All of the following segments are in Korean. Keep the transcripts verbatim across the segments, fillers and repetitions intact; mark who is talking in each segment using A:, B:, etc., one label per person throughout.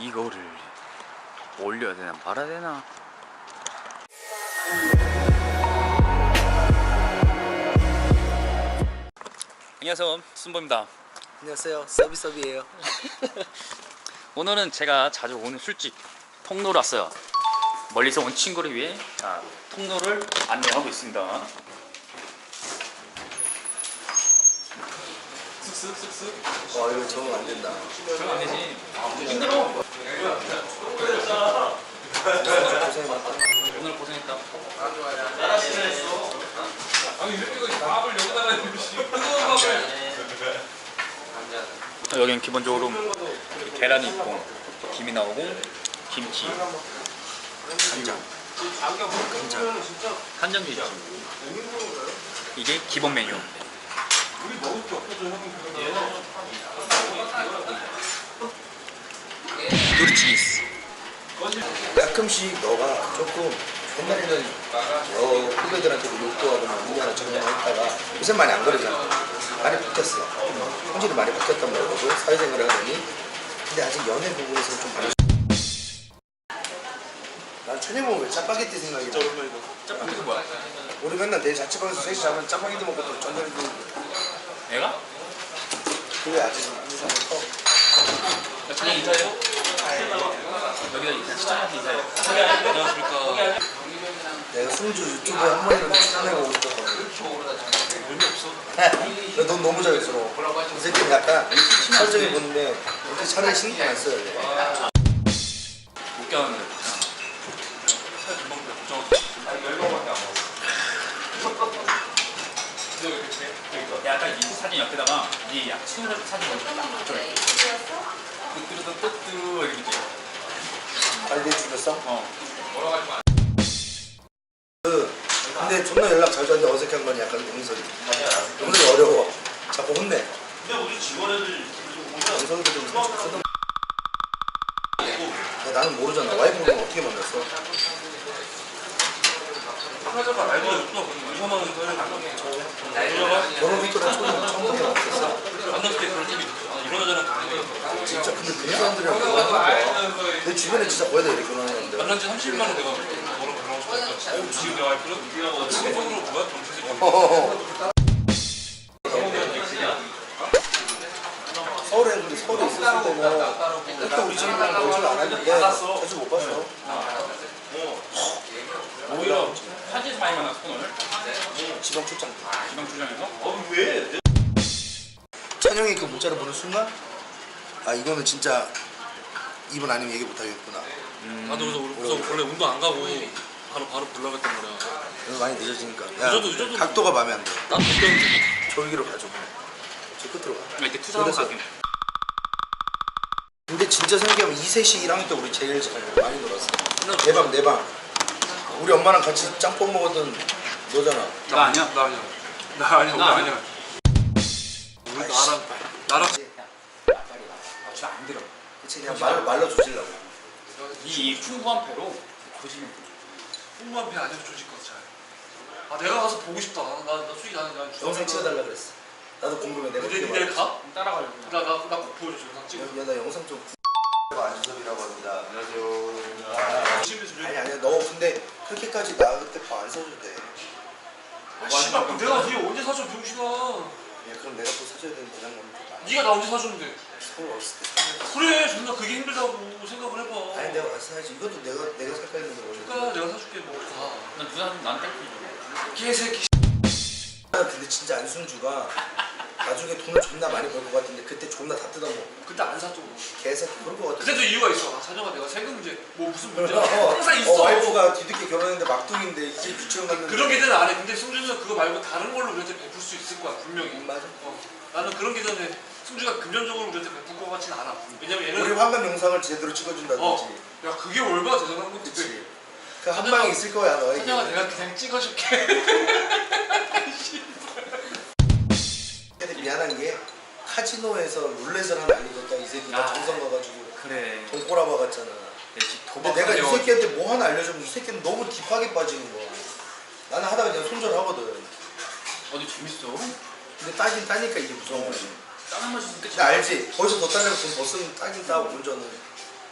A: 이거를 올려야 되나 말아야 되나? 안녕하세요, 순보입니다.
B: 안녕하세요, 서비서비예요.
A: 오늘은 제가 자주 오는 술집 통로로 왔어요. 멀리서 온 친구를 위해 자, 통로를 안내하고 있습니다. 쓱쓱쓱쓱.
B: 어, 이거 적응 안 된다.
A: 적응 안 되지. 힘들어.
B: 고생 많다.
A: 오늘 고생했다.
C: 아니 이렇게 밥을 여기다가 뜨거운 밥을
A: 여기는 기본적으로 계란이 있고 김이 나오고 김치, 간장, 간장, 간장도 있지. 이게 기본 메뉴. 누리치기스.
B: 가끔씩 너가 조금 옛날에는 어, 후배들한테도 욕도 하고 막 인간을 정리했다가 요새 많이 안 그러잖아. 많이 바뀌었어. 성질이 많이 바뀌었단 말이고 사회생활을 하더니 근데 아직 연애 부분에서는 좀 많이. 난 천혜모 왜 짜파게티 생각이 나.
A: 짜파게티 뭐야?
B: 우리 맨날 내 자취방에서 셋이 자면 짜파게티 먹고 또 전자레인지
A: 내가?
B: 그게 아직 인상이 커.
A: 그냥 인사해요? 여기다 그냥 시청자한테 인사해요. 안녕하십니까.
B: 내가 승주 유튜브에 한 번이라도 출연해보고 싶었거든.
A: 의미 없어.
B: 넌 너무 잘했어. 이 새끼는 약간 설정이 보는데 이렇게 차라리 신경 안 써야 돼.
A: 못 껴는데. 살 금방 돼. 걱정. 아니 열 번밖에 안 먹었어. 약간 이 사진 옆에다가 이 친구들 사진 좀 뜨뜨르 뜨뜨 이렇게 찍어.
B: 잘 돼죽였어?
A: 어.
B: 그 근데 존나 연락 자주 하는데 어색한 건 약간 용설이. 용설이 어려워. 자꾸 혼내.
C: 근데 우리 직원애들
B: 용설이도 좀 쓰던. 나는 모르잖아. 와이프는 어떻게 만났어?
C: 하자가 알고 없어. 이거만
B: 결혼 후처럼 처음 처음부터 만났어.
C: 만났을 때 그런 팀이 있었어. 이런 여자랑
B: 진짜 근데 그 사람들이랑 결혼하는 거야. 내 주변에 진짜 거의 다 이렇게 결혼하는데.
C: 만난 지 삼십 일 만에 내가 뭐라고 결혼하고 싶었어. 지금 내 와이프는 지금 속으로 뭐야? 정체적
B: 서울에 근데 서울에 있었을 때는 그때 우리 집이랑 멀지를 않았는데 자주 못 봤어.
A: 오히려 현지에서 많이 만났어 오늘.
B: 지방 출장 때.
A: 지방 출장에서.
C: 어 왜?
B: 찬영이 그 문자를 보는 순간 아 이거는 진짜 이분 아니면 얘기 못 하겠구나.
C: 음. 나도 그래서 우리 그래서 원래 운동 안 가고 바로 바로 보려고 했단 말이야.
B: 그래서 많이 늦어지니까. 야,
C: 늦어도 늦어도
B: 각도가 마음에 안 돼.
C: 난 그때
B: 저기로 가죠. 저 끝으로 가.
A: 이렇게 투자하고
B: 그래서-
A: 가게.
B: 근데 진짜 생각해보면 이셋이 일 학년 때 우리 제일 잘 많이 놀았어. 내 방 내 방. 우리 엄마랑 같이 짬뽕 먹었던 너잖아.
A: 나 아니야?
C: 나 아니야. 나 아니야. 나 아니야. 우리 나랑 나랑
A: 저안 들어.
B: 그치 그냥 말로 말로 조질라고.
A: 이 풍부한 배로 조심해.
C: 풍부한 배 안에서 조질 것 잘. 아 내가 가서 보고 싶다. 나나 솔직히 나는 난
B: 영상 찍어달라 그랬어. 나도 궁금해. 내가
C: 근데
B: 어떻게
C: 내일
B: 말해.
C: 가?
A: 따라가려고.
C: 나나나꼭 보여줘 영상 찍어.
B: 야, 나 영상 좀. 안주섭이라고 합니다.
C: 안녕하세요. 열심히 좀.
B: 아니 아니야 너 근데 그렇게까지 나 그때 밥 안 사줘도 돼.
C: 아, 씨발 그럼 내가 네 언제 사줘 병신아.
B: 야 그럼 내가 또 사줘야 되는 부담감이 또 많아.
C: 네가 나 언제 사줬는데?
B: 서울 어렸을 때.
C: 그래 존나 그게 힘들다고 생각을 해봐.
B: 아니 내가 와서 사야지. 이것도 내가 내가 살 거였는데 원래.
C: 그러니까 내가 사줄게 뭐 가.
A: 난 누나는 나한테 땡기지.
C: 개새끼.
B: 근데 진짜 안순주가 나중에 돈을 존나 많이 벌 것 같은데 그때 존나 다 뜯어먹어.
C: 그때 안 사줘.
B: 개새끼 그럴 것 같아.
C: 그때도 이유가 있어. 아, 사정아 내가 세금 이제 뭐 무슨 문제
B: 어,
C: 항상
B: 어,
C: 있어.
B: 와이프가 뒤늦게 결혼했는데 막둥인데 이제 유치원 갔는데.
C: 그런 계산은 안 해. 근데 승준은 그거 말고 다른 걸로 우리한테 베풀 수 있을 거야 분명히.
B: 음, 맞아.
C: 어. 나는 그런 계산에 승주가 금전적으로 우리한테 베풀 것 같지는 않아. 왜냐면 얘는
B: 우리 환갑 영상을 제대로 찍어준다든지.
C: 어. 야 그게 얼마나 대단한 건데.
B: 그치. 그 한 방에 있을 거야 너에게.
C: 사정아 내가 그냥 찍어줄게.
B: 근데 미안한 게 카지노에서 룰렛을 하나 알려줬다 이 새끼가
A: 아.
B: 정성 가가지고
A: 그래.
B: 돈 꼬라봐 갔잖아. 근데 내가 이 새끼한테 뭐 하나 알려주면 이 새끼는 너무 딥하게 빠지는 거야. 나는 하다가 그냥 손절하거든.
A: 어디 재밌어?
B: 근데 따긴 따니까 이게 무서운 거지.
A: 다른 맛이 있으면 끝이야.
B: 나 알지? 거기서 더 따려면 돈 더 쓰면 따긴 따고 운전은.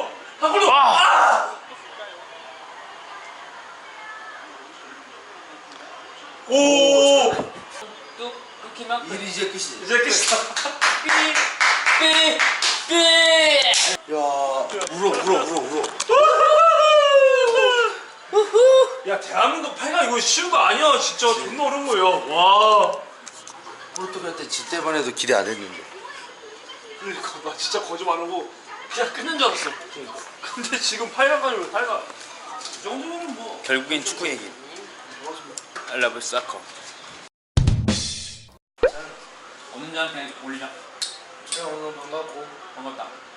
C: 더! 한 골 더!
A: 아!
C: 아! 오!
A: 뚝 끊기면 끝.
B: 일이 이제 끝이지.
C: 이제 끝이다.
A: 삐! 삐!
B: 야, 울어, 울어, 울어, 울어.
C: 야, 대한민국 팔 강 이거 쉬운 거 아니야. 진짜 존나 어려운 거예요. 와.
B: 포르투갈한테 질 때만 해도 기대 안 했는데.
C: 그러니까 나 진짜 거짓말 안 하고 그냥 끝낸 줄 알았어. 근데 지금 팔 강까지 팔 강. 이 정도면 뭐.
A: 결국엔 축구 얘기. I love soccer. 없는 자한테 올리자.
B: 오늘 반갑고.
A: 반갑다.